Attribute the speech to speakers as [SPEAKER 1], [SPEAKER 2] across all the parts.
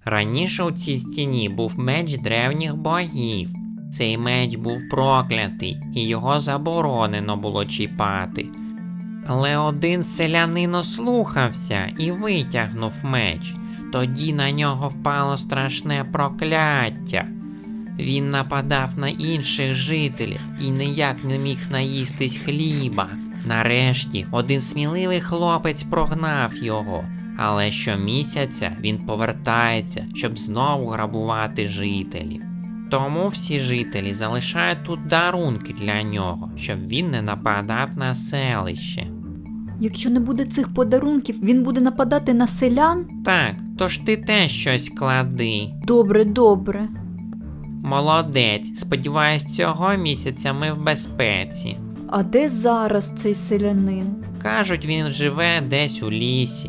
[SPEAKER 1] Раніше у цій стіні був меч древніх богів. Цей меч був проклятий, і його заборонено було чіпати. Але один селянин ослухався і витягнув меч. Тоді на нього впало страшне прокляття. Він нападав на інших жителів і ніяк не міг наїстись хліба. Нарешті один сміливий хлопець прогнав його, але щомісяця він повертається, щоб знову грабувати жителів. Тому всі жителі залишають тут дарунки для нього, щоб він не нападав на селище.
[SPEAKER 2] Якщо не буде цих подарунків, він буде нападати на селян?
[SPEAKER 1] Так, тож ти теж щось клади.
[SPEAKER 2] Добре, добре.
[SPEAKER 1] Молодець, сподіваюсь, цього місяця ми в безпеці.
[SPEAKER 2] А де зараз цей селянин?
[SPEAKER 1] Кажуть, він живе десь у лісі.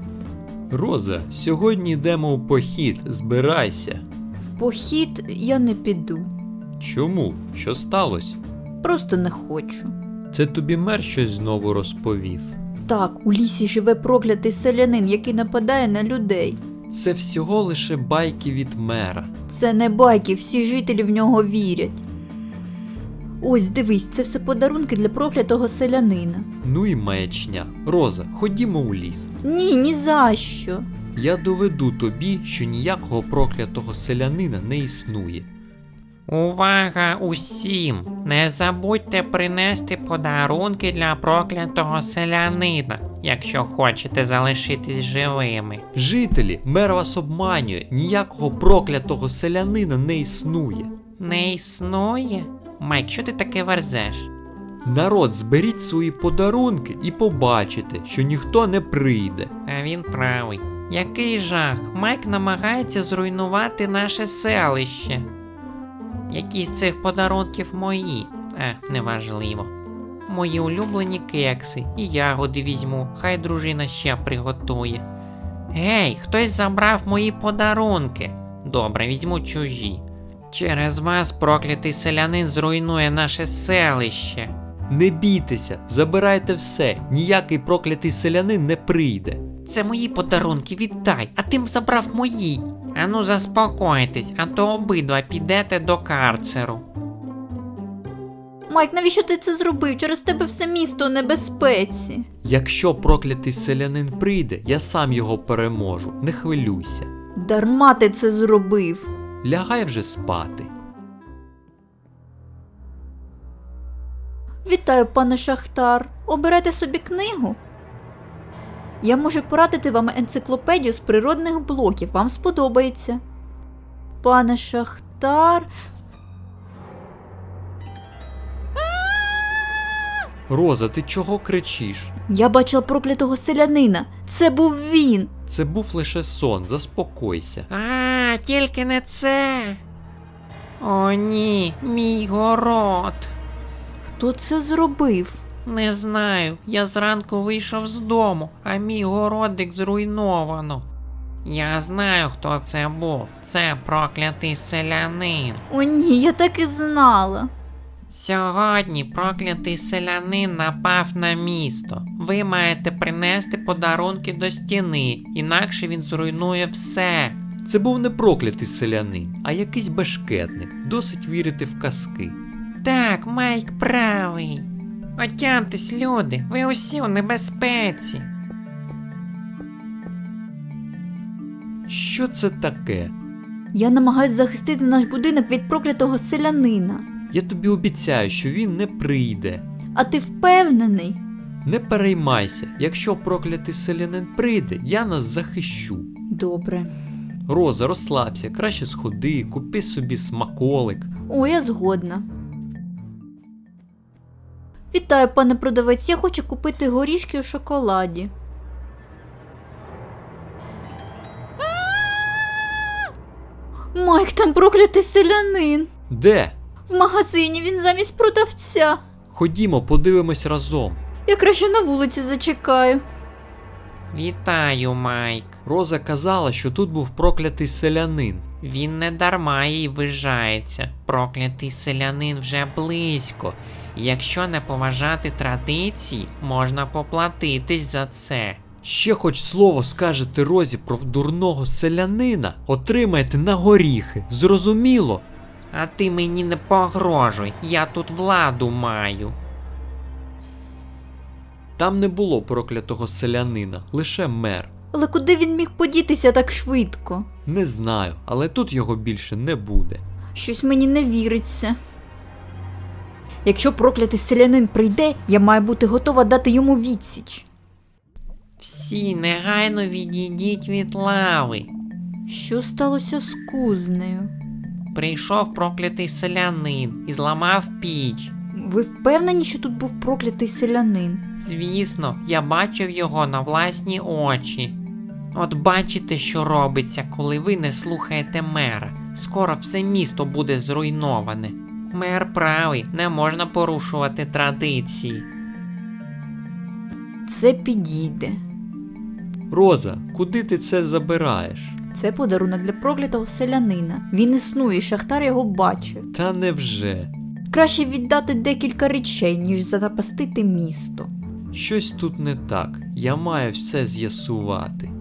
[SPEAKER 3] Роза, сьогодні йдемо у похід, збирайся.
[SPEAKER 2] В похід я не піду.
[SPEAKER 3] Чому? Що сталося?
[SPEAKER 2] Просто не хочу.
[SPEAKER 3] Це тобі мер щось знову розповів?
[SPEAKER 2] Так, у лісі живе проклятий селянин, який нападає на людей.
[SPEAKER 3] Це всього лише байки від мера.
[SPEAKER 2] Це не байки, всі жителі в нього вірять. Ось, дивись, це все подарунки для проклятого селянина.
[SPEAKER 3] Ну і маячня. Роза, ходімо у ліс.
[SPEAKER 2] Ні, ні за що.
[SPEAKER 3] Я доведу тобі, що ніякого проклятого селянина не існує.
[SPEAKER 1] Увага усім! Не забудьте принести подарунки для проклятого селянина, якщо хочете залишитись живими.
[SPEAKER 3] Жителі, мер вас обманює, ніякого проклятого селянина не існує.
[SPEAKER 1] Не існує? Майк, що ти таке верзеш?
[SPEAKER 3] Народ, зберіть свої подарунки і побачите, що ніхто не прийде.
[SPEAKER 1] А він правий. Який жах! Майк намагається зруйнувати наше селище. Які з цих подарунків мої? Неважливо. Мої улюблені кекси і ягоди візьму, хай дружина ще приготує. Гей, хтось забрав мої подарунки. Добре, візьму чужі. Через вас проклятий селянин зруйнує наше селище.
[SPEAKER 3] Не бійтеся, забирайте все, ніякий проклятий селянин не прийде.
[SPEAKER 1] Це мої подарунки, віддай, а ти забрав мої. Ану заспокойтесь, а то обидва підете до карцеру.
[SPEAKER 2] Майк, навіщо ти це зробив? Через тебе все місто у небезпеці.
[SPEAKER 3] Якщо проклятий селянин прийде, я сам його переможу, не хвилюйся.
[SPEAKER 2] Дарма ти це зробив.
[SPEAKER 3] Лягай вже спати.
[SPEAKER 2] Вітаю, пане Шахтар. Оберете собі книгу? Я можу порадити вам енциклопедію з природних блоків. Вам сподобається. Пане Шахтар...
[SPEAKER 3] Роза, ти чого кричиш?
[SPEAKER 2] Я бачила проклятого селянина. Це був він.
[SPEAKER 3] Це був лише сон, заспокойся.
[SPEAKER 1] Тільки не це. О ні, мій город.
[SPEAKER 2] Хто це зробив?
[SPEAKER 1] Не знаю, я зранку вийшов з дому, а мій городик зруйновано. Я знаю, хто це був. Це проклятий селянин.
[SPEAKER 2] О ні, я так і знала.
[SPEAKER 1] Сьогодні проклятий селянин напав на місто. Ви маєте принести подарунки до стіни, інакше він зруйнує все.
[SPEAKER 3] Це був не проклятий селянин, а якийсь бешкетник. Досить вірити в казки.
[SPEAKER 1] Так, Майк правий. Отямтесь, люди, ви усі у небезпеці.
[SPEAKER 3] Що це таке?
[SPEAKER 2] Я намагаюсь захистити наш будинок від проклятого селянина.
[SPEAKER 3] Я тобі обіцяю, що він не прийде.
[SPEAKER 2] А ти впевнений?
[SPEAKER 3] Не переймайся, якщо проклятий селянин прийде, я нас захищу.
[SPEAKER 2] Добре.
[SPEAKER 3] Роза, розслабся, краще сходи, купи собі смаколик.
[SPEAKER 2] О, я згодна. Вітаю, пане продавець, я хочу купити горішки у шоколаді. Майк, там проклятий селянин.
[SPEAKER 3] Де?
[SPEAKER 2] В магазині він замість продавця.
[SPEAKER 3] Ходімо, подивимось разом.
[SPEAKER 2] Я краще на вулиці зачекаю.
[SPEAKER 1] Вітаю, Майк.
[SPEAKER 3] Роза казала, що тут був проклятий селянин.
[SPEAKER 1] Він не дарма їй ввижається. Проклятий селянин вже близько. І якщо не поважати традиції, можна поплатитись за це.
[SPEAKER 3] Ще хоч слово скажете Розі про дурного селянина, отримаєте на горіхи. Зрозуміло?
[SPEAKER 1] А ти мені не погрожуй, я тут владу маю.
[SPEAKER 3] Там не було проклятого селянина, лише мер.
[SPEAKER 2] Але куди він міг подітися так швидко?
[SPEAKER 3] Не знаю, але тут його більше не буде.
[SPEAKER 2] Щось мені не віриться. Якщо проклятий селянин прийде, я маю бути готова дати йому відсіч.
[SPEAKER 1] Всі негайно відійдіть від лави.
[SPEAKER 2] Що сталося з кузнею?
[SPEAKER 1] Прийшов проклятий селянин і зламав піч.
[SPEAKER 2] Ви впевнені, що тут був проклятий селянин?
[SPEAKER 1] Звісно, я бачив його на власні очі. От бачите, що робиться, коли ви не слухаєте мера. Скоро все місто буде зруйноване. Мер правий, не можна порушувати традиції.
[SPEAKER 2] Це підійде.
[SPEAKER 3] Роза, куди ти це забираєш?
[SPEAKER 2] Це подарунок для проклятого селянина. Він існує, шахтар його бачив.
[SPEAKER 3] Та невже?
[SPEAKER 2] Краще віддати декілька речей, ніж занапастити місто.
[SPEAKER 3] Щось тут не так. Я маю все з'ясувати.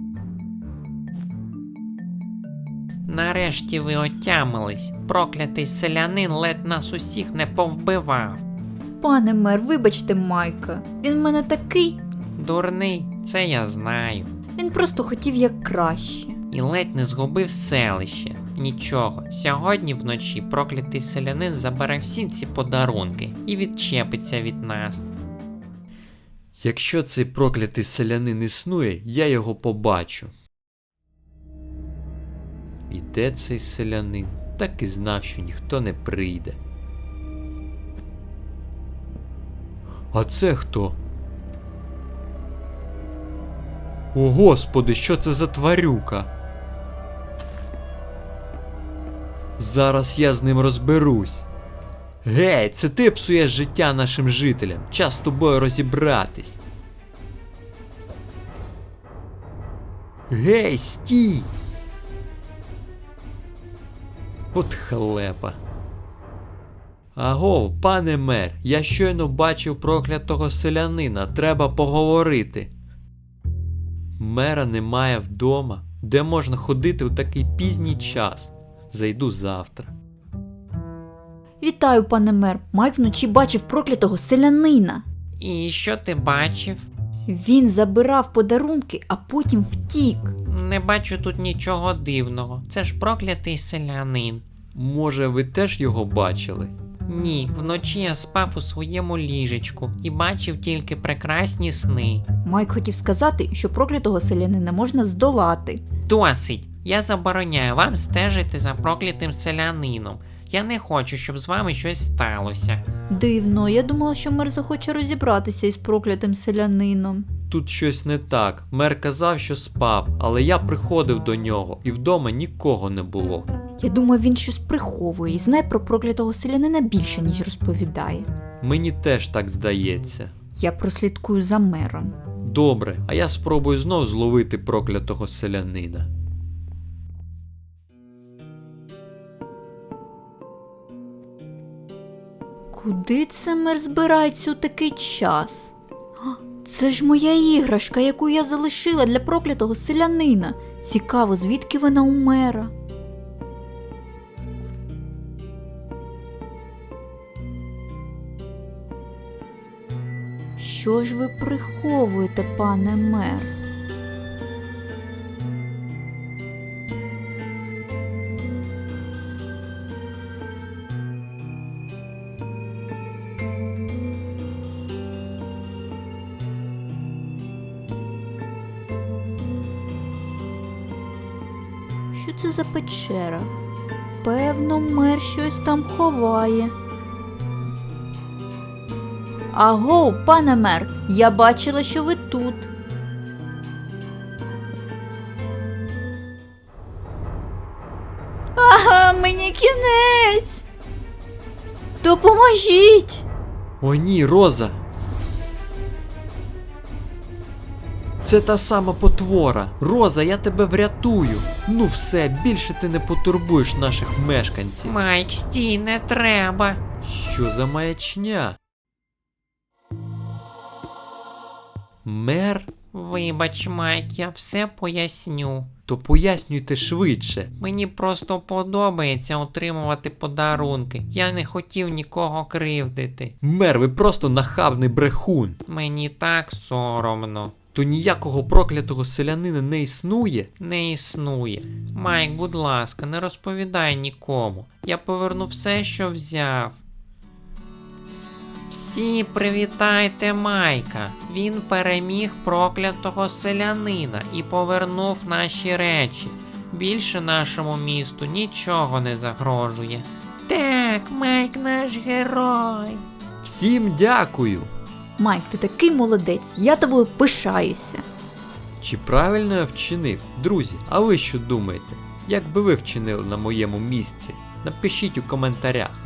[SPEAKER 1] Нарешті ви отямились. Проклятий селянин ледь нас усіх не повбивав.
[SPEAKER 2] Пане мер, вибачте Майка. Він в мене такий.
[SPEAKER 1] Дурний, це я знаю.
[SPEAKER 2] Він просто хотів як краще.
[SPEAKER 1] І ледь не згубив селище. Нічого, сьогодні вночі проклятий селянин забере всі ці подарунки і відчепиться від нас.
[SPEAKER 3] Якщо цей проклятий селянин існує, я його побачу. І де цей селянин? Так і знав, що ніхто не прийде. А це хто? О, Господи, що це за тварюка? Зараз я з ним розберусь. Гей, це ти псуєш життя нашим жителям. Час з тобою розібратись. Гей, стій! От халепа. Агов, пане мер, я щойно бачив проклятого селянина, треба поговорити. Мера немає вдома. Де можна ходити у такий пізній час? Зайду завтра.
[SPEAKER 2] Вітаю, пане мер. Майк вночі бачив проклятого селянина.
[SPEAKER 1] І що ти бачив?
[SPEAKER 2] Він забирав подарунки, а потім втік.
[SPEAKER 1] Не бачу тут нічого дивного. Це ж проклятий селянин.
[SPEAKER 3] Може, ви теж його бачили?
[SPEAKER 1] Ні, вночі я спав у своєму ліжечку і бачив тільки прекрасні сни.
[SPEAKER 2] Майк хотів сказати, що проклятого селянина можна здолати.
[SPEAKER 1] Досить! Я забороняю вам стежити за проклятим селянином. Я не хочу, щоб з вами щось сталося.
[SPEAKER 2] Дивно, я думала, що мер захоче розібратися із проклятим селянином.
[SPEAKER 3] Тут щось не так. Мер казав, що спав, але я приходив до нього, і вдома нікого не було.
[SPEAKER 2] Я думаю, він щось приховує і знає про проклятого селянина більше, ніж розповідає.
[SPEAKER 3] Мені теж так здається.
[SPEAKER 2] Я прослідкую за мером.
[SPEAKER 3] Добре, а я спробую знов зловити проклятого селянина.
[SPEAKER 2] Куди це мер збирається у такий час? А, це ж моя іграшка, яку я залишила для проклятого селянина. Цікаво, звідки вона у мера? Що ж ви приховуєте, пане мер? Що це за печера? Певно, мер щось там ховає. Аго, пане мер, я бачила, що ви тут. Ага, мені кінець. Допоможіть!
[SPEAKER 3] О ні, Роза! Це та сама потвора. Роза, я тебе врятую. Ну все, більше ти не потурбуєш наших мешканців.
[SPEAKER 1] Майк, стій, не треба.
[SPEAKER 3] Що за маячня? Мер?
[SPEAKER 1] Вибач, Майк, я все поясню.
[SPEAKER 3] То пояснюйте швидше.
[SPEAKER 1] Мені просто подобається отримувати подарунки. Я не хотів нікого кривдити.
[SPEAKER 3] Мер, ви просто нахабний брехун.
[SPEAKER 1] Мені так соромно.
[SPEAKER 3] То ніякого проклятого селянина не існує?
[SPEAKER 1] Не існує. Майк, будь ласка, не розповідай нікому. Я поверну все, що взяв. Всі привітайте Майка. Він переміг проклятого селянина і повернув наші речі. Більше нашому місту нічого не загрожує. Так, Майк наш герой.
[SPEAKER 3] Всім дякую!
[SPEAKER 2] Майк, ти такий молодець, я тобою пишаюся.
[SPEAKER 3] Чи правильно я вчинив? Друзі, а ви що думаєте? Як би ви вчинили на моєму місці? Напишіть у коментарях.